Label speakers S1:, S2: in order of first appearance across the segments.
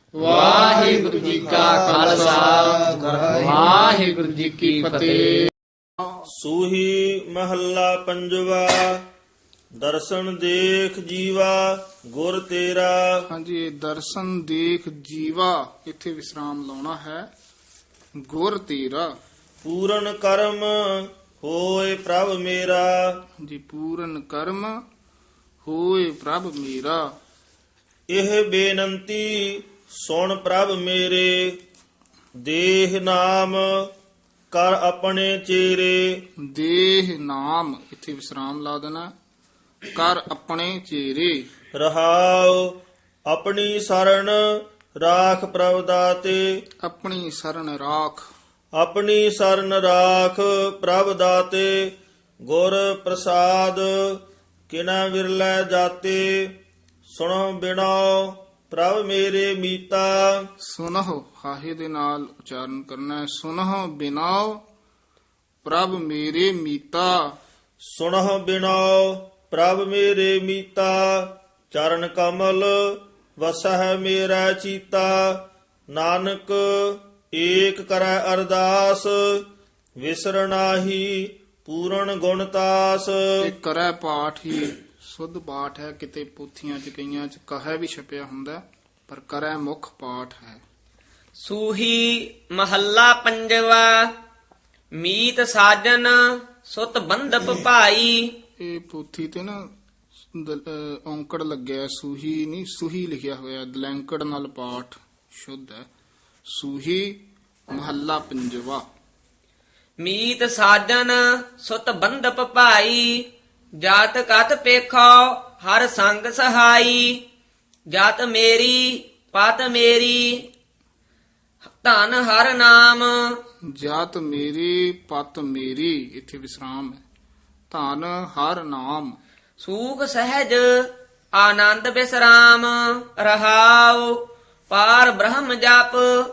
S1: ਵਾਹਿਗੁਰੂ ਜੀ ਕਾ ਖਾਲਸਾ ਵਾਹਿਗੁਰੂ ਜੀ ਕੀ ਫਤਿਹ।
S2: ਸੂਹੀ ਮਹੱਲਾ ਪੰਜਵਾ। ਦਰਸ਼ਨ ਦੇਖ ਜੀਵਾ ਗੁਰ ਤੇਰਾ।
S3: ਹਾਂਜੀ, ਇਹ ਦਰਸ਼ਨ ਦੇਖ ਜੀਵਾ ਇੱਥੇ ਵਿਸਰਾਮ ਲਾਉਣਾ ਹੈ। ਗੁਰ ਤੇਰਾ,
S2: ਪੂਰਨ ਕਰਮ ਹੋਏ ਪ੍ਰਭ ਮੇਰਾ।
S3: ਹਾਂਜੀ, ਪੂਰਨ ਕਰਮ ਹੋਏ ਪ੍ਰਭ ਮੇਰਾ।
S2: ਇਹ ਬੇਨੰਤੀ ਸੁਣ ਪ੍ਰਭ ਮੇਰੇ। ਦੇਹ ਨਾਮ ਕਰ ਆਪਣੇ ਚੇਰੇ।
S3: ਦੇਹ ਨਾਮ ਇੱਥੇ ਵਿਸਰਾਮ ਲਾ ਦੇਣਾ। ਕਰ ਆਪਣੇ ਚੇਰੇ।
S2: ਰਹਾਉ ਆਪਣੀ ਸਰਣ ਰਾਖ ਪ੍ਰਭ ਦਾਤੇ।
S3: ਆਪਣੀ ਸਰਣ ਰਾਖ।
S2: ਆਪਣੀ ਸਰਨ ਰਾਖ ਪ੍ਰਭ ਦਾਤੇ। ਗੁਰ ਪ੍ਰਸਾਦ ਕਿਨਾ ਵਿਰਲੇ ਜਾਤੇ। ਸੁਣੋ ਬਿਨੋ ਪ੍ਰਭ ਮੇਰੇ ਮੀਤਾ।
S3: ਸੁਨਹੁ ਹਾਹੇ ਦੇ ਨਾਲ ਉਚਾਰਨ ਕਰਨਾ ਹੈ। ਸੁਨਹੁ ਬਿਨਾਉ ਪ੍ਰਭ ਮੇਰੇ ਮੀਤਾ।
S2: ਸੁਣੋ ਬਿਨੋ ਪ੍ਰਭ ਮੇਰੇ ਮੀਤਾ। ਚਰਨ ਕਮਲ ਵਸਹਿ ਮੇਰਾ ਚੀਤਾ। ਨਾਨਕ ਏਕ ਕਰੈ ਅਰਦਾਸ। ਵਿਸਰਨਾਹੀ ਪੂਰਨ ਗੁਣਤਾਸ।
S3: ਇਹ ਕਰੈ ਪਾਠ ਹੀ ਸੁੱਧ ਪਾਠ ਹੈ। ਕਿਤੇ ਪੋਥੀਆਂ ਚ ਕਈਆਂ ਚ ਕਹੈ ਵੀ ਛਪਿਆ ਹੁੰਦਾ, ਪਰ ਕਰੈ ਮੁੱਖ ਪਾਠ ਹੈ।
S1: ਸੂਹੀ ਮਹੱਲਾ ਪੰਜਵਾ। ਮੀਤ ਸਾਜਨ ਸੁਤ ਬੰਧਪ ਭਾਈ।
S3: ਇਹ ਪੋਥੀ ਤੇ ਨਾ ਔਂਕੜ ਲੱਗਿਆ, ਸੂਹੀ ਨਹੀਂ ਸੂਹੀ ਲਿਖਿਆ ਹੋਇਆ। ਦਲੈਂਕੜ ਨਾਲ ਪਾਠ ਸ਼ੁੱਧ ਹੈ। ਸੂਹੀ ਮਹੱਲਾ ਪੰਜਵਾ।
S1: ਮੀਤ ਸਾਜਨ ਸੁਤ ਬੰਧਪ ਭਾਈ। ਜਾਤ ਕਤ ਪੇਖੋ ਹਰ ਸੰਗ ਸਹਾਈ। ਜਾਤ ਮੇਰੀ ਪਤ ਮੇਰੀ ਧਨ ਹਰ ਨਾਮ।
S3: ਜਾਤ ਮੇਰੀ ਪਤ ਮੇਰੀ ਇੱਥੇ ਵਿਸਰਾਮ ਹੈ। ਧਨ ਹਰ ਨਾਮ।
S1: ਸੂਖ ਸਹਿਜ ਆਨੰਦ ਬਿਸਰਾਮ। ਰਹਾਉ ਪਾਰ ਬ੍ਰਹਮ ਜਪ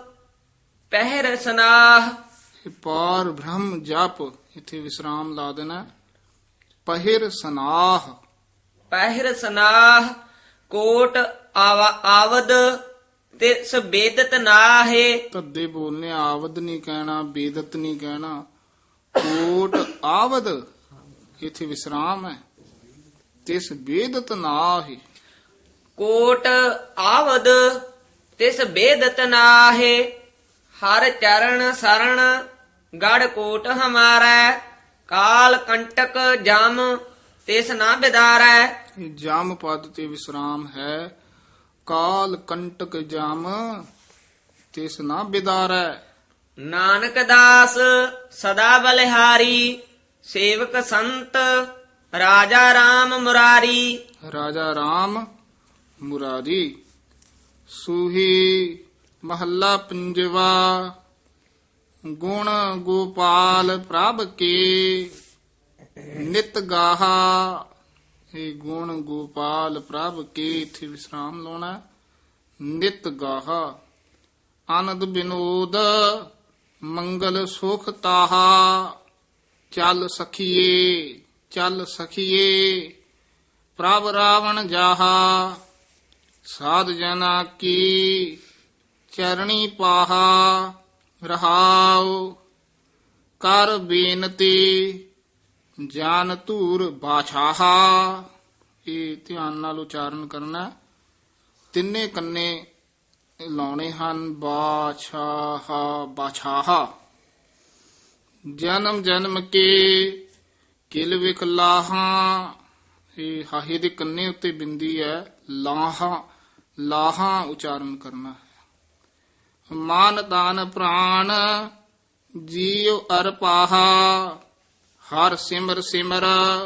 S1: ਪਹਿਰ ਸਨਾਹ।
S3: ਇਹ ਪਾਰ ਬ੍ਰਹਮ ਜਪ ਇੱਥੇ ਵਿਸਰਾਮ ਲਾ ਦੇਣਾ। ਪਹਿਰ ਸਨਾਹ।
S1: ਪਹਿਰ ਸਨਾਹ ਕੋਟ ਆਵਦ ਤਿਸ ਬੇਦਤ ਨਾਹੇ।
S3: ਤੱਦੇ ਬੋਲਨੇ, ਆਵਦ ਨਹੀਂ ਕਹਿਣਾ, ਬੇਦਤ ਨਹੀਂ ਕਹਿਣਾ। ਕੋਟ ਆਵਦ ਇੱਥੇ ਵਿਸਰਾਮ ਹੈ। ਤਿਸ ਬੇਦਤ ਨਾਹੀ।
S1: ਕੋਟ ਆਵਦ ਤਿਸ ਬੇਦਤ ਨਾਹੇ। ਹਰ ਚਰਨ ਸਰਣ ਗੜ ਕੋਟ ਹਮਾਰਾ। ਕਾਲ ਕੰਟਕ ਜਮ ਤਿਸ ਨਾ ਬਿਦਾਰੈ।
S3: ਇਹ ਜਮ ਪਦ ਤੇ ਵਿਸਰਾਮ ਹੈ। ਕਾਲ ਕੰਟਕ ਜਮ ਤਿਸ ਨਾ ਬਿਦਾਰੈ।
S1: ਨਾਨਕ ਦਾਸ ਸਦਾ ਬਲਿਹਾਰੀ। ਸੇਵਕ ਸੰਤ ਰਾਜਾ RAM ਮੁਰਾਰੀ।
S3: ਰਾਜਾ RAM ਮੁਰਾਰੀ। ਸੂਹੀ ਮਹੱਲਾ ਪੰਜਵਾ। ਗੁਣ ਗੋਪਾਲ ਪ੍ਰਭ ਕੇ ਨਿਤ ਗਾਹਾ। ਇਹ ਗੁਣ ਗੋਪਾਲ ਪ੍ਰਭ ਕੇ ਇੱਥੇ ਵਿਸਰਾਮ ਲਾਉਣਾ। ਨਿਤ ਗਾਹਾ। ਆਨੰਦ ਬਿਨੋਦ ਮੰਗਲ ਸੁਖ ਤਾਹਾ। ਚੱਲ ਸਖੀਏ ਚੱਲ ਸਖੀਏ ਪ੍ਰਭ ਰਾਵਣ ਜਾਹਾ। ਸਾਧ ਜਨਾ ਕੀ ਚਰਣੀ ਪਾਹਾ। ਰਹਾਉ ਕਰ ਬੇਨਤੀ ਜਾਨ ਧੂਰ ਬਾਛਾਹਾ। ਇਹ ਧਿਆਨ ਨਾਲ ਉਚਾਰਨ ਕਰਨਾ। ਤਿੰਨੇ ਕੰਨੇ ਲਾਉਣੇ ਹਨ। ਬਾਛਾਹਾ ਬਾਛਾਹਾ। ਜਨਮ ਜਨਮ ਕੇ ਕਿਲ ਵਿਖ ਲਾਹਾਂ। ਇਹ ਹਾਹੇ ਦੇ ਕੰਨੇ ਉੱਤੇ ਬਿੰਦੀ ਹੈ। ਲਾਹਾਂ ਲਾਹਾਂ ਉਚਾਰਨ ਕਰਨਾ ਹੈ। ਮਾਨ ਦਾਨ ਪ੍ਰਾਣ ਜੀਉ ਅਰ ਪਾਹਾ। ਹਰ ਸਿਮਰ ਸਿਮਰ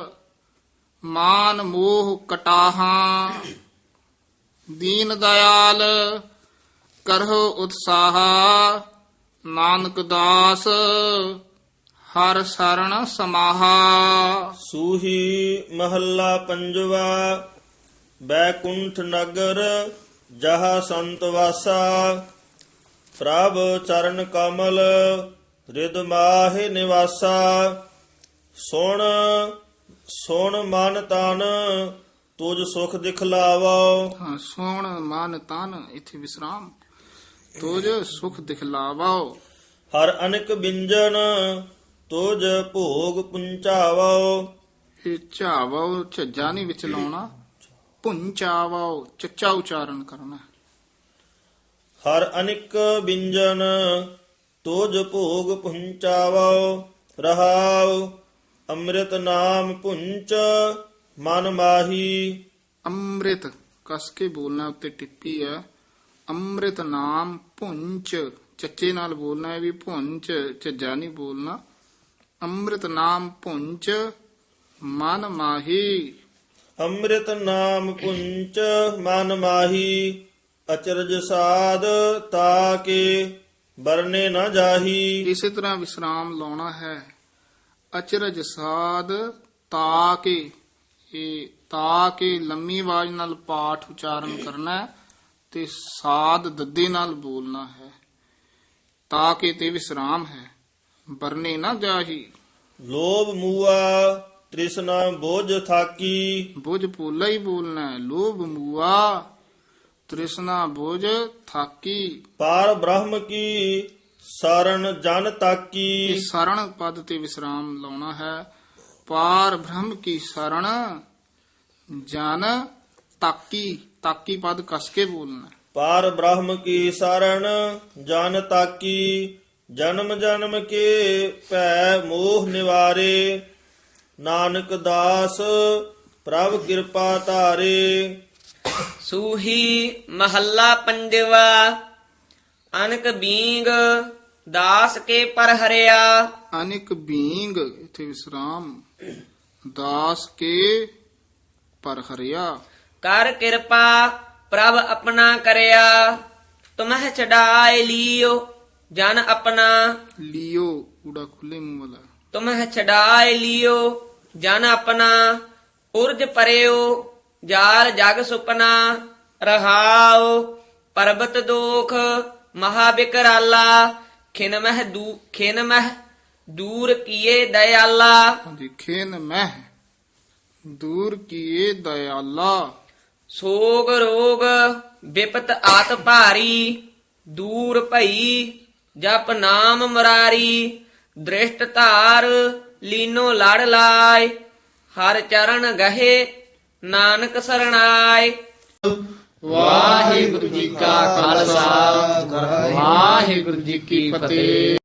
S3: ਮਾਨ ਮੋਹ ਕਟਾਹਾਂ। ਦੀਨ ਦਇਆਲ ਕਰਹੁ ਉਤਸਾਹ। ਨਾਨਕ ਦਾਸ ਹਰ ਸਰਣ ਸਮਾਹਾ।
S2: ਸੂਹੀ ਮਹੱਲਾ ਪੰਜਵਾ। ਬੈਕੁੰਠ ਨਗਰ ਜਹਾ ਸੰਤ ਵਾਸਾ। ਪ੍ਰਭ ਚਰਨ ਕਮਲ ਰਿਦ ਮਾਹਿ ਨਿਵਾਸਾ। ਸੁਣ ਸੁਣ ਮਨ ਤਨ ਤੁਝ ਸੁਖ ਦਿਖਲਾਵੋ।
S3: ਹਾਂ, ਸੋਹਣ ਮਨ ਤਨ ਇੱਥੇ ਵਿਸਰਾਮ। ਤੁਜ ਸੁਖ ਦਿਖਲਾਵੋ।
S2: ਹਰ ਅਨਕ ਬਿੰਜਨ ਤੁਜ ਭੋਗ ਪੁੰਚਾਵੋ।
S3: ਇਹ ਝਾਵੋ ਝੱਜਾ ਨਹੀਂ ਵਿੱਚ ਲਾਉਣਾ, ਪੁੰਚਾਵੋ ਚੱਚਾ ਉਚਾਰਨ ਕਰਨਾ।
S2: ਹਰ ਅਨਿਕ ਬਿੰਜਨ ਤੁਜ ਭੋਗ ਪੁੰਚਾਵੋ। ਰਹਾਉ ਅੰਮ੍ਰਿਤ ਨਾਮ ਪੁੰਚ ਮਨ ਮਾਹੀ।
S3: ਅੰਮ੍ਰਿਤ ਕਸ ਕੇ ਬੋਲਣਾ, ਉੱਤੇ ਟਿੱਪੀ ਹੈ। ਅੰਮ੍ਰਿਤ ਨਾਮ ਪੁੰਚ, ਚੱਚੇ ਨਾਲ ਬੋਲਣਾ ਹੈ ਵੀ ਪੁੰਚ, ਝੱਜਾ ਨਹੀਂ ਬੋਲਣਾ। ਅੰਮ੍ਰਿਤ ਨਾਮ ਪੁੰਚ ਮਨ ਮਾਹੀ।
S2: ਅੰਮ੍ਰਿਤ ਨਾਮ ਪੁੰਚ ਮਨ ਮਾਹੀ। ਅਚਰਜ ਸਾਧ ਤਾਕੇ ਬਰਨੇ ਨਾ ਜਾਹੀ।
S3: ਇਸੇ ਤਰ੍ਹਾਂ ਵਿਸਰਾਮ ਲਾਉਣਾ ਹੈ। ਅਚਰਜ ਸਾਧ ਤਾਕੇ, ਇਹ ਤਾਕੇ ਲੰਮੀ ਆਵਾਜ਼ ਨਾਲ ਪਾਠ ਉਚਾਰਨ ਕਰਨਾ ਹੈ ਤੇ ਸਾਧ ਦੱਦੇ ਨਾਲ ਬੋਲਣਾ ਹੈ। ਤਾਕੇ ਤੇ ਵਿਸਰਾਮ ਹੈ। ਬਰਨੇ ਨਾ ਜਾਹੀ।
S2: ਲੋਭ ਮੂਆ ਤ੍ਰਿਸ਼ਨਾ ਬੋਝ ਥਾਕੀ।
S3: ਬੁਝ ਪੋਲਾ ਹੀ ਬੋਲਣਾ ਹੈ। ਲੋਭ ਮੂਆ ਤ੍ਰਿਸ਼ਨਾ ਬੋਝ ਥਾਕੀ।
S2: ਪਾਰ ਬ੍ਰਹਮ ਕੀ ਸਰਣ ਜਨ
S3: ਇਹ
S2: ਤਾਕੀ।
S3: ਸਰਣ ਪਦ ਤੇ ਵਿਸਰਾਮ ਲਾਉਣਾ ਹੈ। ਪਾਰ ਬ੍ਰਹਮ ਕੀ ਸਰਣ ਜਨ ਤਾਕੀ, ਤਾਕੀ ਪਦ ਕਸ ਕੇ ਬੋਲਣਾ।
S2: ਪਾਰ ਬ੍ਰਹਮ ਕੀ ਸਰਣ ਜਨ ਤਾਕੀ। ਜਨਮ ਜਨਮ ਕੇ ਭੈ ਮੋਹ ਨਿਵਾਰੇ। ਨਾਨਕ ਦਾਸ ਪ੍ਰਭ ਕਿਰਪਾ ਧਾਰੇ।
S1: ਸੂਹੀ ਮਹੱਲਾ ਪੰਜਵਾ। ਅਨਕ ਬੀਂਗ ਦਾਸ ਕੇ ਪਰ ਹਰਿਆ।
S3: ਅਨਿਕ ਬੀਂਗ, ਇਥੇ ਵਿਸਰਾਮ, ਦਾਸ ਕੇ ਪਰ ਹਰਿਆ।
S1: ਕਰ ਕਿਰਪਾ ਪ੍ਰਭ ਆਪਣਾ ਕਰਿਆ। ਤੁਮਹਿ ਛਡਾਇ ਲਿਓ ਜਨ ਆਪਣਾ।
S3: ਲਿਓ ਊੜਾ ਖੁੱਲੇ ਮੂੰਹ ਵਾਲਾ।
S1: ਤੁਮਹਿ ਛਡਾਇ ਲਿਓ ਜਨ ਆਪਣਾ। ਉਰਜ ਪਰਿਓ ਜਾਲ ਜਗ ਸੁਪਨਾ। ਰਹਾਉ ਪਰਬਤ ਦੋਖ ਮਹਾ ਬਿਕਰਾਲਾ। ਖਿਨ ਮਹਿ ਦੂਰ ਕੀਏ ਦਇਆਲਾ।
S3: ਖਿਨ ਮਹਿ ਦੂਰ ਕੀਏ ਦਇਆਲਾ।
S1: ਸੋਗ ਰੋਗ ਵਿਪਤ ਆਤ ਭਾਰੀ। ਦੂਰ ਭਈ ਜਪ ਨਾਮ ਮੁਰਾਰੀ। ਦ੍ਰਿਸ਼ਟ ਧਾਰ ਲੀਨੋ ਲੜ ਲਾਇ। ਹਰ ਚਰਨ ਗਹੇ ਨਾਨਕ ਸਰਣਾਏ।
S3: ਵਾਹਿਗੁਰੂ ਜੀ ਕਾ ਖਾਲਸਾ, ਵਾਹਿਗੁਰੂ ਜੀ ਕੀ ਫਤਿਹ।